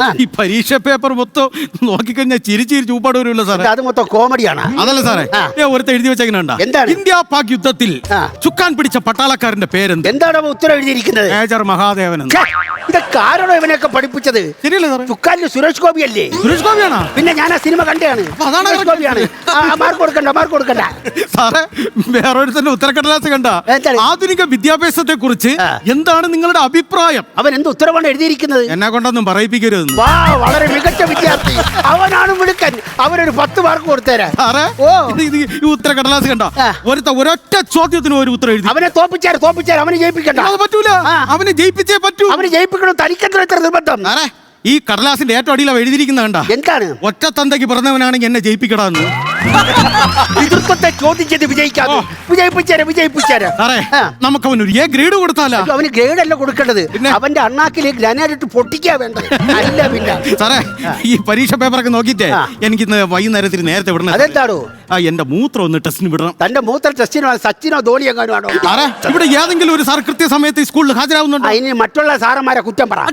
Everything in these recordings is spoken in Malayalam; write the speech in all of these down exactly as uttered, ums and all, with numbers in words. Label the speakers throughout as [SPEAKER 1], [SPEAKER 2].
[SPEAKER 1] ഈ പരീക്ഷ പേപ്പർ മൊത്തം നോക്കിക്കഴിഞ്ഞാൽ ചിരി ചിരി ചൂപ്പാട് വരുമല്ലോ സാറേ.
[SPEAKER 2] അത് മൊത്തം കോമഡിയാണ്.
[SPEAKER 1] അതല്ല സാറേ, ഒരുത്ത എഴുതി വെച്ചേക്കണ
[SPEAKER 2] എന്താണ്?
[SPEAKER 1] ഇന്ത്യ പാക് യുദ്ധത്തിൽ ചുക്കാൻ പിടിച്ച പട്ടാളക്കാരന്റെ പേരെന്ത്?
[SPEAKER 2] എന്താണ് ഉത്തരം എഴുതിയിരിക്കുന്നത്?
[SPEAKER 1] മേജർ മഹാദേവൻ.
[SPEAKER 2] ഇതൊക്കെ ആരാണോ ഇവനെയൊക്കെ പഠിപ്പിച്ചത്?
[SPEAKER 1] ശരിയല്ലേ സാറേ?
[SPEAKER 2] ചുക്കാലിൽ സുരേഷ് ഗോപി അല്ലേ?
[SPEAKER 1] സുരേഷ് ഗോപിയാണോ?
[SPEAKER 2] പിന്നെ ഞാൻ ആ സിനിമ കണ്ടാണ്. സുരേഷ് ഗോപിയാണ്. മാർക്ക് കൊടുക്കണ്ട, മാർക്ക് കൊടുക്കണ്ട
[SPEAKER 1] സാറേ. വേറൊരു തന്നെ ഉത്തരക്കടലാസ് കണ്ട. ആധുനിക വിദ്യാഭ്യാസത്തെ കുറിച്ച് എന്താണ് നിങ്ങളുടെ അഭിപ്രായം?
[SPEAKER 2] അവൻ എന്ത് ഉത്തരവാണ് എഴുതിയിരിക്കുന്നത്?
[SPEAKER 1] എന്നെ കൊണ്ടൊന്നും പറയിപ്പിക്കരുത്.
[SPEAKER 2] വാ, വളരെ മികച്ച വിദ്യാർത്ഥി. അവനാണ് മിടുക്കൻ. അവനൊരു പത്ത് മാർക്ക് കൊടുത്തേരാ.
[SPEAKER 1] ഓ, ഈ ഉത്തരക്കടലാസ് കണ്ട. ഒരുത്ത ഒരൊറ്റ ചോദ്യത്തിന് ഒരു ഉത്തരം എഴുതി.
[SPEAKER 2] അവനെ തോപ്പിച്ചാൽ തോപ്പിച്ചാൽ അവനെ ജയിപ്പിക്കണ്ട.
[SPEAKER 1] അത് പറ്റൂല. അവനെ ജയിപ്പിച്ചേ പറ്റൂ.
[SPEAKER 2] അവനെ ജയിപ്പിക്കണം. തനിക്കെത്ര എത്ര നിർബന്ധം?
[SPEAKER 1] ഈ കടലാസിന്റെ ഏറ്റവും അടിയിലാണ് എഴുതിയിരിക്കുന്ന കണ്ട.
[SPEAKER 2] എന്താണ്?
[SPEAKER 1] ഒറ്റ തന്തയ്ക്ക് പിറന്നവനാണെങ്കിൽ എന്നെ ജയിപ്പിക്കടാന്ന്.
[SPEAKER 2] എതിർപ്പത്തെ ചോദിച്ചത് വിജയിക്കാതെ വിജയിപ്പിച്ചാരെ വിജയിപ്പിച്ചാരെ.
[SPEAKER 1] നമുക്ക് അവൻ ഒരു എ ഗ്രേഡ് കൊടുത്താലോ?
[SPEAKER 2] അവന് ഗ്രേഡ് അല്ല കൊടുക്കേണ്ടത്, അവന്റെ അണ്ണാക്കിലേക്ക് ഗ്രാനൈറ്റ് പൊട്ടിക്കാ വേണ്ടത്. അല്ല പിന്നെ
[SPEAKER 1] സാറേ, ഈ പരീക്ഷ പേപ്പറൊക്കെ നോക്കിട്ടേ എനിക്ക് ഇന്ന് വൈകുന്നേരത്തിന് നേരത്തെ വിടണം.
[SPEAKER 2] അതെന്താണോ?
[SPEAKER 1] ആ, എന്റെ മൂത്രം ഒന്ന് ടെസ്റ്റിന് വിടണം.
[SPEAKER 2] തന്റെ മൂത്ര ടെസ്റ്റിനോ സച്ചിനോ ധോണി എങ്ങാനോ ആണോ?
[SPEAKER 1] സാറേ, ഇവിടെ ഏതെങ്കിലും ഒരു സാർ കൃത്യസമയത്ത് സ്കൂളിൽ ഹാജരാകുന്നുണ്ടോ?
[SPEAKER 2] അതിന് മറ്റുള്ള സാറന്മാരെ കുറ്റം പറ.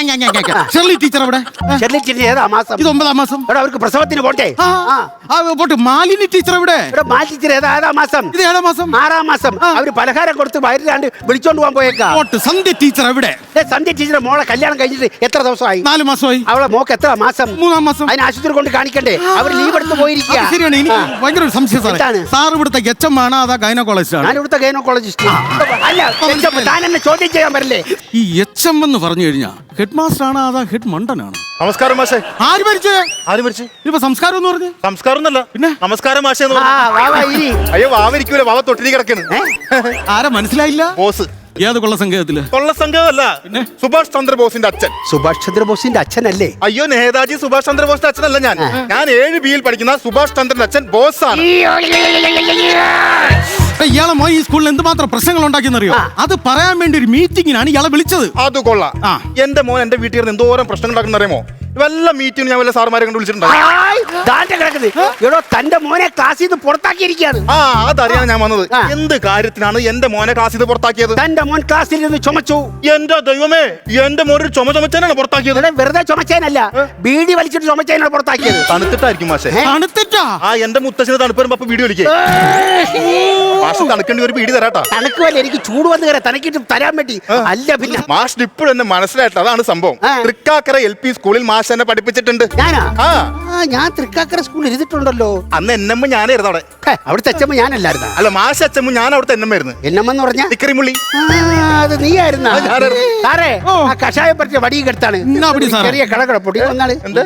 [SPEAKER 1] ഷെർലി ടീച്ചർ അവിടെ.
[SPEAKER 2] ഷെർലി ടീച്ചർ ഏതാ മാസം?
[SPEAKER 1] ഇത് ഒമ്പതാം മാസം.
[SPEAKER 2] അവർക്ക് പ്രസവത്തിന് പോട്ടെ.
[SPEAKER 1] പോട്ടെ. മാലിനി ടീച്ചർ ഇവിടെ.
[SPEAKER 2] മാലി ടീച്ചർ ഏതാ ഏതാ മാസം?
[SPEAKER 1] ഇത് ഏഴാം മാസം.
[SPEAKER 2] ആറാം മാസം. അവര് പലഹാരം കൊടുത്ത് വയറിലാണ്ട് വിളിച്ചോണ്ട് പോകാൻ പോയേക്കാ.
[SPEAKER 1] സന്ധ്യ ടീച്ചർ എവിടെ?
[SPEAKER 2] സന്ധ്യ ടീച്ചറെ മോളെ കല്യാണം കഴിഞ്ഞിട്ട് എത്ര ദിവസമായി?
[SPEAKER 1] നാല് മാസമായി.
[SPEAKER 2] അവളെ മോക്ക് എത്ര മാസം?
[SPEAKER 1] മൂന്നാം മാസം.
[SPEAKER 2] അതിന് ആശുപത്രി കൊണ്ട് കാണിക്കണ്ടേ? അവർ ലീവ് എടുത്ത് പോയിരിക്കുക.
[SPEAKER 1] ശരിയാണ്. എനിക്ക് ഭയങ്കര ഒരു സംശയം സാറേ. സാർ ഇവിടുത്തെ എച്ച് എം ആണോ അതാ ഗൈനക്കോളജിസ്റ്റ് ആണ്?
[SPEAKER 2] ഞാൻ ഇവിടുത്തെ ഗൈനക്കോളജിസ്റ്റ്. അല്ല, താൻ എന്നെ ചോദ്യം ചെയ്യാൻ പറ്റില്ലേ?
[SPEAKER 1] ഈ എച്ച് എം എന്ന് പറഞ്ഞു കഴിഞ്ഞാൽ ഹെഡ് മാസ്റ്റർ ആണോ അതാ ഹെഡ് മണ്ടനാണ്?
[SPEAKER 3] നമസ്കാരം മാഷേ.
[SPEAKER 1] ആര് മരിച്ചേ?
[SPEAKER 3] ആര് മരിച്ചു?
[SPEAKER 1] ഇപ്പൊ സംസ്കാരം എന്ന് പറഞ്ഞു.
[SPEAKER 3] സംസ്കാരം എന്നല്ല, പിന്നെ നമസ്കാരം മാഷേ. അയ്യോ, വാവരിക്കൂല, വാവ തൊട്ടിരി കിടക്കുന്നു.
[SPEAKER 1] ആരാ മനസ്സിലായില്ല?
[SPEAKER 3] ബോസ്.
[SPEAKER 1] ഏത് കൊള്ള സംഘത്തില്?
[SPEAKER 3] കൊള്ള സംഘമല്ല, സുഭാഷ് ചന്ദ്രബോസിന്റെ അച്ഛൻ.
[SPEAKER 2] സുഭാഷ് ചന്ദ്രബോസിന്റെ അച്ഛനല്ലേ?
[SPEAKER 3] അയ്യോ, നേതാജി സുഭാഷ് ചന്ദ്രബോസിന്റെ അച്ഛനല്ല ഞാൻ. ഞാൻ ഏഴ് ബിയിൽ പഠിക്കുന്ന സുഭാഷ് ചന്ദ്രന്റെ അച്ഛൻ ബോസ് ആണ്.
[SPEAKER 1] ഇയാളെ മോൻ ഈ സ്കൂളിൽ എന്തുമാത്രം പ്രശ്നങ്ങൾ ഉണ്ടാക്കിയെന്നറിയോ? അത് പറയാൻ വേണ്ടി ഒരു മീറ്റിംഗിനാണ് ഇയാളെ വിളിച്ചത്.
[SPEAKER 3] അത് കൊള്ളാം. എന്റെ മോൻ എന്റെ വീട്ടിൽ നിന്ന് എന്തോരം പ്രശ്നങ്ങൾ ഉണ്ടാക്കുന്ന അറിയാമോ? വല്ല മീറ്റിംഗ് ഞാൻ വല്ല സാറുമാരെ കണ്ട്
[SPEAKER 2] വിളിച്ചിട്ടുണ്ടോ? തന്റെ മോനെ ക്ലാസ്സിൽ നിന്ന് പുറത്താക്കിയിരിക്കുകയാണ്.
[SPEAKER 3] ആ, അതറിയാൻ ഞാൻ വന്നത്. എന്ത് കാര്യത്തിനാണ് എന്റെ മോനെ ക്ലാസ്സിൽ നിന്ന് പുറത്താക്കിയത്?
[SPEAKER 2] തന്റെ മോൻ ക്ലാസ്സിൽ നിന്ന് ചുമച്ചു.
[SPEAKER 3] എന്റെ ദൈവമേ, എന്റെ മോൻ ഒരു ചുമ ചുമച്ചാനാണ് പുറത്താക്കിയത്.
[SPEAKER 2] വെറുതെ ചുമച്ചേനല്ല, ബീഡി വലിച്ചിട്ട് ചുമച്ചേനാണ് പുറത്താക്കിയത്.
[SPEAKER 3] തണുത്തിട്ടായിരിക്കും മാഷേ.
[SPEAKER 1] തണുത്തിട്ടാ?
[SPEAKER 3] ആ, എന്റെ മുത്തച്ഛന് തണുപ്പ് വരുമ്പോ അപ്പൊ വീഡിയോ വിളിക്കേ. മാഷ് തണുക്കേണ്ടി ഒരു വീഡിയോ തരാട്ടാ.
[SPEAKER 2] തണുക്കുവല്ല, എനിക്ക് ചൂട് വന്ന് കയറാം, തനക്കിട്ട് തരാൻ വേണ്ടി. അല്ല പിന്നെ
[SPEAKER 3] മാഷ് ഇപ്പോഴും എന്നെ മനസ്സിലായിട്ട് അതാണ് സംഭവം. തൃക്കാക്കര എൽ പി സ്കൂളിൽ മാഷ് എന്നെ പഠിപ്പിച്ചിട്ടുണ്ട്.
[SPEAKER 2] ഞാനാ? ഞാൻ തൃക്കാക്കര സ്കൂളിൽ ഇരുന്നിട്ടുണ്ടല്ലോ.
[SPEAKER 3] അന്ന് എന്നമ്മ ഞാനായിരുന്നു അവിടെ.
[SPEAKER 2] അവിടുത്തെ അച്ഛമ്മ ഞാനല്ലായിരുന്നു.
[SPEAKER 3] അല്ല, മാഷ് അച്ഛമ്മ ഞാൻ അവിടുത്തെ എന്നമ്മായിരുന്നു.
[SPEAKER 2] എന്നമ്മെന്ന് പറഞ്ഞ
[SPEAKER 3] തിക്കറിമുള്ളി.
[SPEAKER 2] അത് നീ ആയിരുന്ന സാറേ? ആ കഷായം പറ്റിയ വടിയും കെടുത്താണ്. ചെറിയ കടകടപ്പൊടി വന്നാണ്. എന്ത്?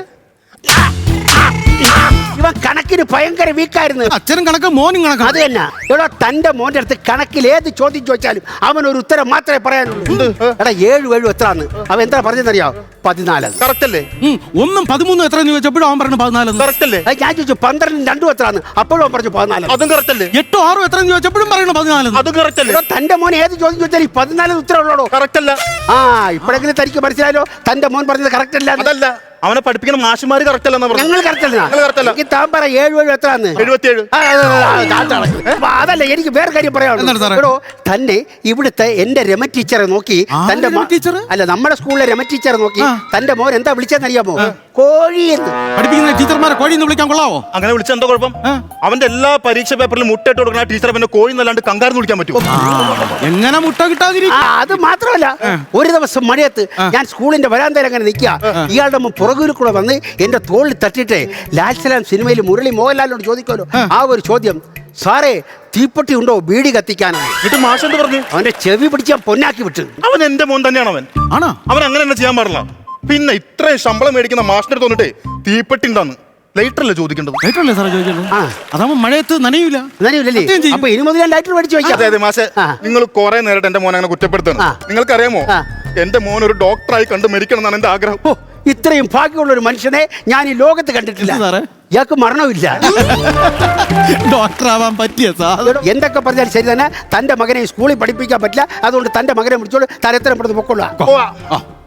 [SPEAKER 2] ഇവൻ കണക്കിന് ഭയങ്കര വീക്കായിരുന്നു.
[SPEAKER 1] അച്ഛനും കണക്ക് മോനും കണക്ക്.
[SPEAKER 2] അത് തന്നെ. എടാ, തന്റെ മോന്റെ അടുത്ത് കണക്കിൽ ഏത് ചോദ്യം ചോദിച്ചാലും അവൻ ഒരു ഉത്തരം മാത്രമേ പറയാനുള്ളൂ. എടാ, ഏഴു ഏഴു എത്രാന്ന് അവൻ എന്താ പറഞ്ഞെന്നറിയാം? പതിനാല്.
[SPEAKER 3] കറക്റ്റ് അല്ലേ?
[SPEAKER 1] ഒന്നും പതിമൂന്നും എത്ര ചോദിച്ചപ്പോഴും അവൻ പറഞ്ഞു പതിനാല്.
[SPEAKER 3] കറക്റ്റ് അല്ലേ?
[SPEAKER 2] ഞാൻ ചോദിച്ചു പന്ത്രണ്ടും രണ്ടും എത്രാന്ന്, അപ്പോഴും അവൻ പറഞ്ഞു പതിനാല്.
[SPEAKER 3] അതും കറക്റ്റ് അല്ലേ?
[SPEAKER 1] എട്ടോ ആറും എത്ര ചോദിച്ചപ്പോഴും പറയണ പതിനാല്.
[SPEAKER 3] അതും കറക്റ്റ് അല്ലേ?
[SPEAKER 2] തന്റെ മോൻ ഏത് ചോദ്യം ചോദിച്ചാലും പതിനാല് ഉത്തരം ഉള്ളോ?
[SPEAKER 3] കറക്റ്റ് അല്ല?
[SPEAKER 2] ആ, ഇപ്പോഴെങ്കിലും തനിക്ക് മനസ്സിലായല്ലോ തന്റെ മോൻ പറഞ്ഞത് കറക്റ്റ് അല്ല.
[SPEAKER 3] അതല്ല, അവനെ പഠിപ്പിക്കുന്ന മാഷുമാര് കറക്റ്റ് അല്ലെന്ന് പറഞ്ഞു.
[SPEAKER 2] ഞങ്ങൾ കറക്റ്റ് അല്ല. താൻ പറ ഏഴു ഏഴു എത്രാന്ന്?
[SPEAKER 3] എഴുപത്തിയേഴ്.
[SPEAKER 2] അതല്ല, എനിക്ക് വേറെ കാര്യം പറയാനുള്ളൂ. തന്നെ ഇവിടുത്തെ എന്റെ രമ ടീച്ചറെ നോക്കി തന്റെ അല്ല നമ്മുടെ സ്കൂളിലെ രമ ടീച്ചറെ നോക്കി തന്റെ മോൻ എന്താ വിളിച്ചെന്നറിയാമോ? കോഴി എന്ന്.
[SPEAKER 1] പഠിപ്പിക്കുന്ന ടീച്ചർമാരെ കോഴി എന്ന് വിളിക്കാൻ കൊള്ളാവോ?
[SPEAKER 3] അങ്ങനെ വിളിച്ച എന്താ കുഴപ്പം? അവന്റെ എല്ലാ പരീക്ഷ പേപ്പറിലും മുട്ടയിട്ട് കൊടുക്കുന്ന ടീച്ചറെ പിന്നെ കോഴി എന്നല്ലാണ്ട് കങ്കാരെന്ന് വിളിക്കാൻ പറ്റുമോ?
[SPEAKER 1] എങ്ങനെ മുട്ട കിട്ടാതിരിക്കും?
[SPEAKER 2] അത് മാത്രമല്ല, ഒരു ദിവസം മഴയത്ത് ഞാൻ സ്കൂളിന്റെ വരാന്തയിൽ അങ്ങനെ നിൽക്കുക. ഇയാളുടെ പുറകിൽ കൂടെ വന്ന് എന്റെ തോളിൽ തട്ടിട്ട് ലാൽസലാം സിനിമയിൽ മുരളി മോഹൻലാലിനോട് ചോദിക്കുമല്ലോ ആ ഒരു ചോദ്യം, സാറേ തീപ്പെട്ടി ഉണ്ടോ ബീഡി കത്തിക്കാനാണ്?
[SPEAKER 3] എന്നിട്ട് മാഷ് എന്ത് പറഞ്ഞു?
[SPEAKER 2] അവന്റെ ചെവി പിടിച്ച് പൊന്നാക്കി വിട്ടു.
[SPEAKER 3] അവൻ എന്റെ മോൻ തന്നെയാണ്. അവൻ ആണോ? അവൻ അങ്ങനെ തന്നെ ചെയ്യാൻ പാടില്ല. പിന്നെ ഇത്രയും ശമ്പളം മേടിക്കുന്ന മാഷിന്റെ തോന്നിട്ട് തീപ്പെട്ടി ഉണ്ടാന്ന് ലൈറ്റർ അല്ലേ ചോദിക്കേണ്ടത്?
[SPEAKER 1] ലൈറ്റർ അല്ലേ സാറേ ചോദിക്കേണ്ടത്? അതാവുമ്പോ മഴയത്ത് നനയൂല.
[SPEAKER 2] നനയൂലേ? അപ്പൊ ഇനി മുതൽ ലൈറ്റർ മേടിച്ചു വയ്ക്കാം.
[SPEAKER 3] അതെ മാഷെ, നിങ്ങൾ കുറെ നേരിട്ട് എന്റെ മോനെ അങ്ങനെ കുറ്റപ്പെടുത്തണം. നിങ്ങൾക്കറിയാമോ, എന്റെ മോൻ ഒരു ഡോക്ടറായി കണ്ട് മരിക്കണം എന്നാണ് എന്റെ ആഗ്രഹം.
[SPEAKER 2] ഇത്രയും ഭാഗ്യമുള്ള ഒരു മനുഷ്യനെ ഞാൻ ഈ ലോകത്ത് കണ്ടിട്ടില്ല. ഇയാൾക്ക് മരണമില്ല.
[SPEAKER 1] ഡോക്ടർ ആവാൻ പറ്റിയ സാധനം.
[SPEAKER 2] എന്തൊക്കെ പറഞ്ഞാലും ശരി തന്നെ, തന്റെ മകനെ സ്കൂളിൽ പഠിപ്പിക്കാൻ പറ്റില്ല. അതുകൊണ്ട് തന്റെ മകനെ വിളിച്ചോളൂ, തരത്തരം പെടുത്ത് പൊക്കൊള്ളു.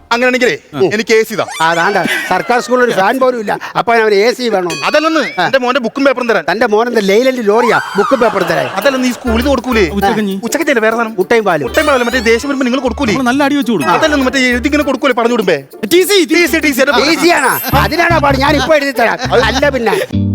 [SPEAKER 3] അങ്ങനെയാണെങ്കിലേ എനിക്ക് എ സി താ.
[SPEAKER 2] അതാണ്ട സർക്കാർ സ്കൂളിൽ ഒരു ഫാൻ പോലും ഇല്ല, അപ്പൊ അവന് എ സി വേണം.
[SPEAKER 3] അതല്ലെന്ന് എന്റെ മോന്റെ ബുക്കും പേപ്പറും തരാൻ.
[SPEAKER 2] തന്റെ മോനെന്താ ലെയിലന്റ് ലോറിയാ ബുക്ക് പേപ്പർ തരാൻ?
[SPEAKER 3] അതല്ലെന്ന് ഈ സ്കൂളിൽ കൊടുക്കൂലേ
[SPEAKER 1] ഉച്ചക്കഞ്ഞി.
[SPEAKER 3] ഉച്ചക്കഞ്ഞല്ലേ വേറെ സാധനം?
[SPEAKER 2] മുട്ടയും പാലും.
[SPEAKER 3] മുട്ടയും പാലും മറ്റേ ദേശം വരുമ്പോ നിങ്ങൾ കൊടുക്കൂലേ?
[SPEAKER 1] നമ്മള് നല്ല അടി വെച്ച് കൊടുക്കും.
[SPEAKER 3] അതല്ലെന്ന് മറ്റേ എഴുതിങ്ങനെ കൊടുക്കൂലേ പറഞ്ഞു വിടുമ്പേ?
[SPEAKER 1] T C
[SPEAKER 3] T C T C
[SPEAKER 2] ഈസിയാണോ? അതിനാണോ പാട്? ഞാൻ ഇപ്പൊ എഴുതി തരാം. അല്ല പിന്നെ